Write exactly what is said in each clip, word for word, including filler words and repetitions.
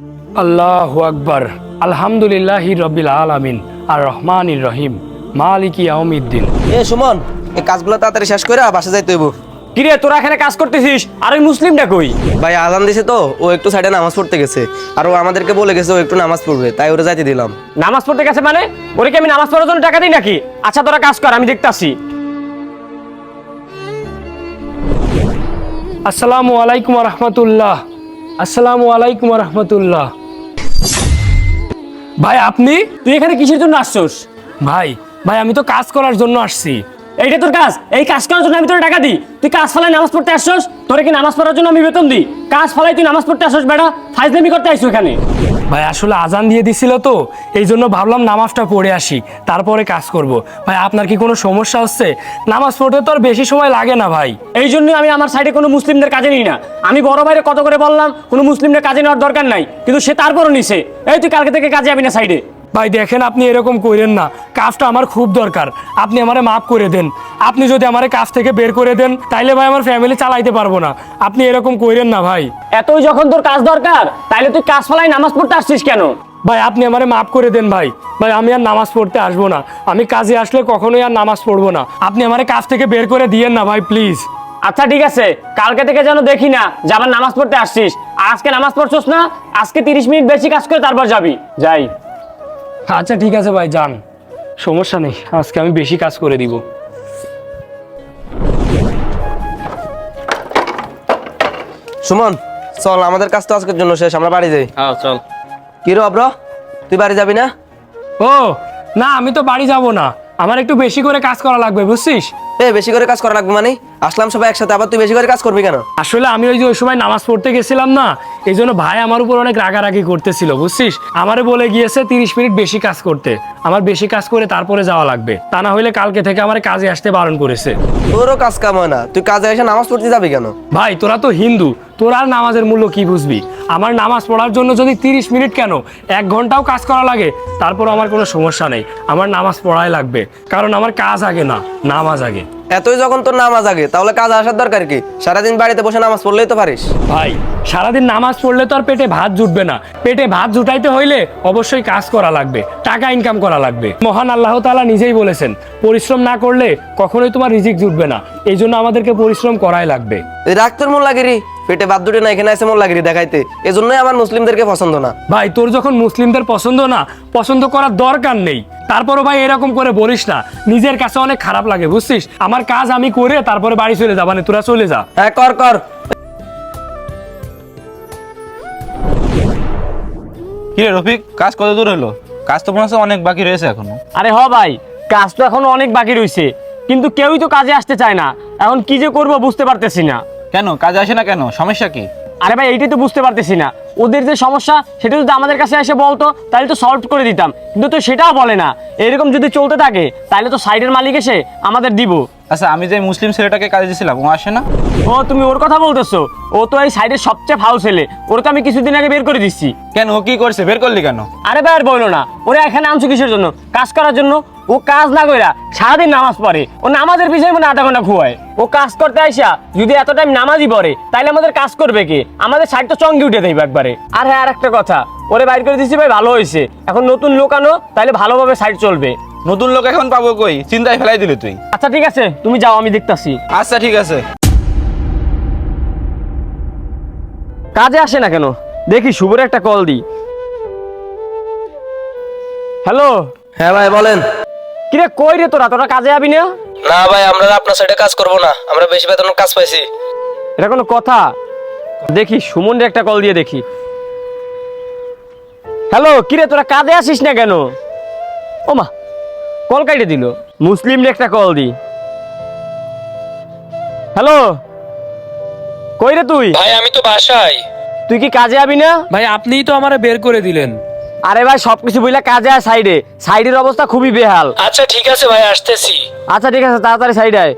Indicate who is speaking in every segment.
Speaker 1: আল্লাহু আকবার। আলহামদুলিল্লাহি রাব্বিল আলামিন আর রহমানির রহিম মালিকি ইয়াউমিদ্দিন।
Speaker 2: এ সুমন, এই কাজগুলো তাড়াতাড়ি শেষ করে বাসা যাইতে হইব।
Speaker 3: কিরে তোরা এখানে কাজ করতেছিস আর ওই মুসলিমটা কই?
Speaker 2: ভাই আজান দিছে তো, ও একটু সাইডে নামাজ পড়তে গেছে, আর ও আমাদেরকে বলে গেছে ও একটু নামাজ পড়বে, তাই ওরে যাইতে দিলাম।
Speaker 3: নামাজ পড়তে গেছে মানে? ওরে কি আমি নামাজ পড়ার জন্য টাকা দিই নাকি? আচ্ছা তোরা কাজ কর, আমি দেখতাছি।
Speaker 1: আসসালামু আলাইকুম রাহমাতুল্লাহ। আসসালামু আলাইকুম রাহমাতুল্লাহ। ভাই আপনি?
Speaker 3: তুই এখানে কিসের জন্য আসছস?
Speaker 1: ভাই ভাই আমি তো কাজ করার জন্য আসছি।
Speaker 3: এইটা তোর কাজ? এই কাজ করার জন্য আমি তোর টাকা দিই? তুই কাজ ফালাই নামাজ পড়তে আসছস? তোরে কি নামাজ পড়ার জন্য আমি বেতন দিই? কাজ ফালাই তুই নামাজ পড়তে আসছস বেটা? ফাইজলামি করতে আইছো এখানে?
Speaker 1: ভাই আসলে আজান দিয়ে দিছিল তো, এই জন্য ভাবলাম নামাজটা পড়ে আসি, তারপরে কাজ করব। ভাই আপনার কি কোনো সমস্যা হচ্ছে? নামাজ পড়তে তো আর বেশি সময় লাগে না ভাই।
Speaker 3: এই জন্যই আমি আমার সাইডে কোনো মুসলিমদের কাজে নিই না। আমি বড় ভাইরে কত করে বললাম কোনো মুসলিমদের কাজে নেওয়ার দরকার নাই, কিন্তু সে তারপরও নিছে। এই তুই কালকে থেকে কাজে যাবি না সাইডে।
Speaker 1: ভাই দেখেন আপনি এরকম করেন না, কাজটা আমার খুব দরকার, আপনি আমারে মাফ করে দেন। আপনি যদি আমারে কাজ থেকে বের করে দেন তাইলে ভাই আমার ফ্যামিলি চালাইতে পারবো না। আপনি এরকম করেন না ভাই।
Speaker 3: এতই যখন তোর কাজ দরকার তাইলে তুই কাজ ফালাই নামাজ পড়তে আসছিস কেন?
Speaker 1: ভাই আপনি আমারে মাফ করে দেন ভাই। ভাই আমি আর নামাজ পড়তে আসবো না, আমি কাজে আসলে কখনোই আর নামাজ পড়বো না। আপনি আমারে কাজ থেকে বের করে দিয়েন না ভাই প্লিজ।
Speaker 3: আচ্ছা ঠিক আছে, কালকে থেকে যেন দেখি না যে আবার নামাজ পড়তে আসছিস। আর আজকে নামাজ পড়ছস না, আজকে তিরিশ মিনিট বেশি কাজ করে তারপর যাবি। যাই।
Speaker 1: আচ্ছা ঠিক আছে ভাই যান, সমস্যা নেই, আজকে আমি বেশি কাজ করে দিব।
Speaker 2: সুমন চল, আমাদের কাজ তো আজকের জন্য শেষ, আমরা বাড়ি যাই।
Speaker 3: হ্যাঁ চল।
Speaker 2: কি রে অব্র, তুই বাড়ি যাবি না?
Speaker 1: ও না, আমি তো বাড়ি যাব না, আমার একটু বেশি করে কাজ করা লাগবে বুঝছিস।
Speaker 2: এ বেশি করে কাজ করা লাগবে মানে? আসলাম সবাই একসাথে, আবার তুই বেশি করে কাজ করবি কেন?
Speaker 1: আসলে আমি ওই যে ওই সময় নামাজ পড়তে গেছিলাম না, এই জন্য ভাই আমার উপর অনেক রাগারাগি করতেছিল বুঝছিস। আমারে বলে গিয়েছে তিরিশ মিনিট বেশি কাজ করতে, আমার বেশি কাজ করে তারপরে যাওয়া লাগবে, তা না হইলে কালকে থেকে আমার কাজে আসতে বারণ করেছে।
Speaker 2: তোরও কাজ কাম হয় না, তুই কাজে এসে নামাজ পড়তে যাবি কেন?
Speaker 1: ভাই তোরা তো হিন্দু, তোরা আর নামাজের মূল্য কি বুঝবি? আমার নামাজ পড়ার জন্য যদি তিরিশ মিনিট কেন এক ঘন্টাও কাজ করা লাগে তারপর আমার কোনো সমস্যা নেই, আমার নামাজ পড়াই লাগবে, কারণ আমার কাজ আগে না, নামাজ আগে।
Speaker 2: এতই যখন তোর নামাজ আগে, তাহলে কাজ আসার দরকার কি? সারাদিন বাড়িতে বসে নামাজ পড়লেই তো পারিস।
Speaker 1: ভাই সারাদিন নামাজ পড়লে তো আর পেটে ভাত জুটবে না, পেটে ভাত জুটাইতে হইলে অবশ্যই কাজ করা লাগবে, টাকা ইনকাম করা লাগবে। মহান আল্লাহ তাআলা নিজেই বলেছেন পরিশ্রম না করলে কখনোই তোমার রিজিক জুটবে না, এই জন্য আমাদেরকে পরিশ্রম করাই লাগবে।
Speaker 2: এই রাগ তোর মন লাগিরি, পেটে বাদ দুটে না, এখানে এসে মন লাগিরি দেখাইতে, এজন্যই আমার মুসলিমদেরকে পছন্দ না।
Speaker 1: ভাই তোর যখন মুসলিমদের পছন্দ না, পছন্দ করার দরকার নেই, তারপরও ভাই এরকম করে বলিস না, নিজের কাছে অনেক খারাপ লাগে বুঝছিস। আমার কাজ আমি করে তারপরে বাড়ি চলে যাবানে, তোরা চলে যা।
Speaker 2: হ্যাঁ কর কর।
Speaker 4: কি রে রফিক, কাজ কত দূর হলো? কাজ তো মনে হচ্ছে অনেক বাকি রয়েছে এখনো।
Speaker 3: আরে হ ভাই, কাজ তো এখনো অনেক বাকি রয়েছে, কিন্তু কেউই তো কাজে আসতে চায় না। এখন কি যে করবো বুঝতে পারতেছি না।
Speaker 4: কেন কাজে আসে না কেন? সমস্যা কি?
Speaker 3: আরে ভাই এইটাই তো বুঝতে পারতেছি না, ওদের যে সমস্যা সেটা যদি আমাদের কাছে এসে বলতো তাহলে তো সলভ করে দিতাম, কিন্তু তো সেটাও বলে না। এরকম যদি চলতে থাকে তাহলে তো সাইডের মালিক এসে আমাদের দিব।
Speaker 4: আচ্ছা আমি যে মুসলিম ছেলেটাকে কাজে দিয়েছিলাম ও আসে না?
Speaker 3: ও তুমি ওর কথা বলতেছো? ও তো এই সাইডের সবচেয়ে ফাউল ছেলে, ওর তো আমি কিছুদিন আগে বের করে দিচ্ছি।
Speaker 4: কেন, ও কি করছে? বের করলি কেন?
Speaker 3: আরে ভাই আর বলো না, ওরা এখানে আনছো কিসের জন্য? কাজ করার জন্য। ও কাজ না কইরা সারাদিন নামাজ পড়ে, ও নামাজের পিছনে মানে আধা ঘন্টা খুয়ায়। ও কাজ করতে আইসা যদি এত টাইম নামাজই পড়ে তাহলে আমাদের কাজ করবে কে? আমাদের সাইড তো চঙ্গি উঠে দেবে একবারে। আর হ্যাঁ আর একটা কথা, ওরে বাইর করে দিচ্ছি ভাই, ভালো হয়েছে, এখন নতুন লোক আনো তাহলে ভালোভাবে সাইড চলবে।
Speaker 4: নতুন লোক এখন পাবো কই? চিন্তায় ফেলাই দিলি তুই।
Speaker 3: আচ্ছা ঠিক আছে, তুমি যাও, আমি দেখতাছি।
Speaker 4: আচ্ছা ঠিক আছে।
Speaker 3: কাজে আসে না কেন দেখি, শুভর একটা কল দিই। হ্যালো।
Speaker 2: হ্যাঁ ভাই বলেন।
Speaker 3: কিরে কই রে তোরা? তোরা কাজে যাবি না?
Speaker 2: না ভাই, আমরা আপনার সাইডে কাজ করব না, আমরা বেশি বেতনের কাজ পাইছি।
Speaker 3: এটা কোনো কথা? দেখি সুমনরে একটা কল দিয়ে দেখি। হ্যালো, কিরে তোরা কাজে আসিস না কেন? ও মা, কল কাইটে দিল। মুসলিমরে একটা কল দি। হ্যালো, কই রে তুই?
Speaker 1: ভাই আমি তো বাসায়।
Speaker 3: তুই কি কাজে যাবি না?
Speaker 1: ভাই আপনিই তো আমারে বের করে দিলেন।
Speaker 3: আরে ভাই সবকিছু বুঝলা কাজে আয় সাইডে, সাইডের অবস্থা খুবই বেহাল।
Speaker 1: আচ্ছা ঠিক আছে ভাই, আসতেছি।
Speaker 3: আচ্ছা ঠিক আছে, তাড়াতাড়ি সাইডে আয়।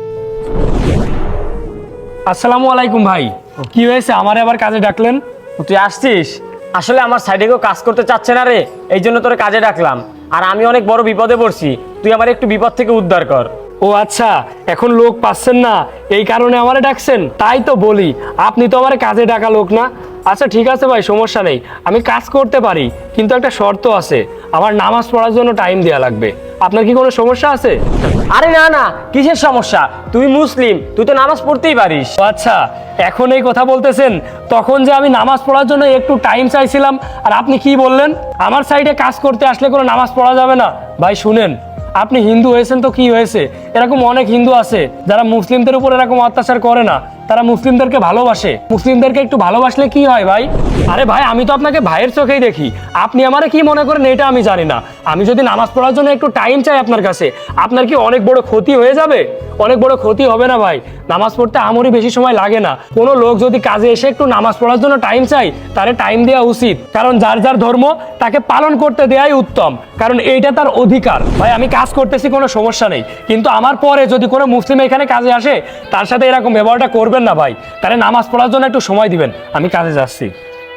Speaker 1: আসসালামু আলাইকুম ভাই, কি হয়েছে আমারে আবার কাজে ডাকলেন?
Speaker 3: তুই আসছিস? আসলে আমার সাইডে কেউ কাজ করতে চাচ্ছে না রে, এই জন্য তোরে কাজে ডাকলাম। আর আমি অনেক বড় বিপদে পড়ছি, তুই আমার একটু বিপদ থেকে উদ্ধার কর।
Speaker 1: ও আচ্ছা, এখন লোক পাচ্ছেন না এই কারণে আমারে ডাকছেন? তাই তো বলি আপনি তো আমারে কাজে ডাকা লোক না। আচ্ছা ঠিক আছে ভাই, সমস্যা নেই, আমি কাজ করতে পারি, কিন্তু একটা শর্ত আছে, আমার নামাজ পড়ার জন্য টাইম দেওয়া লাগবে। আপনার কি কোনো সমস্যা আছে?
Speaker 3: আরে না না, কিসের সমস্যা? তুই মুসলিম, তুই তো নামাজ পড়তেই পারিস।
Speaker 1: ও আচ্ছা, এখন এই কথা বলতেছেন, তখন যে আমি নামাজ পড়ার জন্য একটু টাইম চাইছিলাম আর আপনি কি বললেন আমার সাইডে কাজ করতে আসলে কোনো নামাজ পড়া যাবে না? ভাই শুনেন, আপনি হিন্দু হয়েছেন তো কি হয়েছে, এরকম অনেক হিন্দু আছে যারা মুসলিমদের উপর এরকম অত্যাচার করে না, তারা মুসলিমদেরকে ভালোবাসে। মুসলিমদেরকে একটু ভালোবাসলে কি হয় ভাই? আরে ভাই, আমি তো আপনাকে ভাইয়ের চোখেই দেখি, আপনি আমারে কি মনে করেন এটা আমি জানি না। আমি যদি নামাজ পড়ার জন্য একটু টাইম চাই আপনার কাছে, আপনার কি অনেক বড় ক্ষতি হয়ে যাবে? অনেক বড় ক্ষতি হবে না ভাই, নামাজ পড়তে আমরই বেশি সময় লাগে না। কোনো লোক যদি কাজে এসে একটু নামাজ পড়ার জন্য টাইম চাই, তারে টাইম দেওয়া উচিত, কারণ যার যার ধর্ম তাকে পালন করতে দেওয়াই উত্তম, কারণ এইটা তার অধিকার। ভাই আমি কাজ করতেছি, কোনো সমস্যা নেই, কিন্তু আমার পরে যদি কোনো মুসলিম এখানে কাজে আসে, তার সাথে এরকম ব্যবহারটা করবেন না ভাই। তাহলে নামাজ পড়ার জন্য একটু সময় দিবেন, আমি কাজে যাচ্ছি।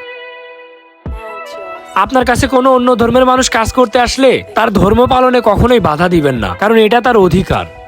Speaker 1: আপনার কাছে কোনো অন্য ধর্মের মানুষ কাজ করতে আসলে তার ধর্ম পালনে কখনোই বাধা দিবেন না, কারণ এটা তার অধিকার।